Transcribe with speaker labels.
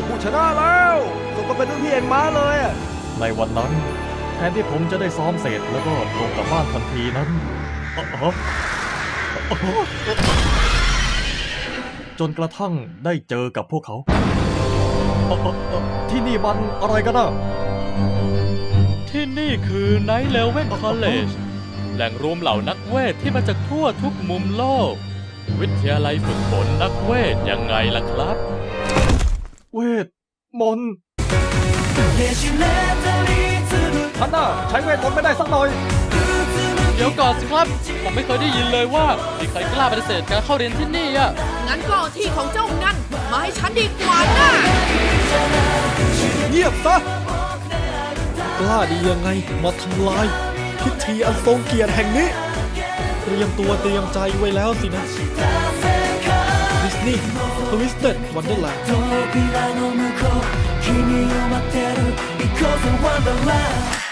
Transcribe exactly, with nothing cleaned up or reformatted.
Speaker 1: ผู้ชนะแล้วสมกับเป็นรุ่นพี่เองม้าเลยอะ
Speaker 2: ในวันนั้นแทนที่ผมจะได้ซ้อมเสร็จแล้วก็ตรงกลับบ้านทันทีนั้นอ๋ออ๋ออ๋อจนกระทั่งได้เจอกับพวกเขาอ๋ออ๋ออ๋อที่นี่มันอะไรกันอ่ะ
Speaker 3: ที่นี่คือ Night Level College แหล่งรวมเหล่านักเวทที่มาจากทั่วทุกมุมโลก วิทยาลัยฝึกฝนนักเวทยังไงล่ะครับ
Speaker 2: เวทมนต์ท่านน่ะใช้เวทมนต์ไม่ได้สักหน่อย
Speaker 3: เดี๋ยวก่อนสิครับ ผมไม่เคยได้ยินเลยว่ามีใครกล้าปฏิเสธการเข้าเรียนที่นี่อ่ะ
Speaker 4: งั้นก็เอาที่ของเจ้านั่นมาให้ฉันดีกว่านะ
Speaker 1: เงียบซะกล้าดียังไงมาทำลายพิธีอันทรงเกียรติแห่งนี้เตรียมตัวเตรียมใจไว้แล้วสินะดิสนีย์ทวิสเต็ดวันเดอร์แลนด์
Speaker 5: 扉の向こう君を待ってる行こうぜワンダーランド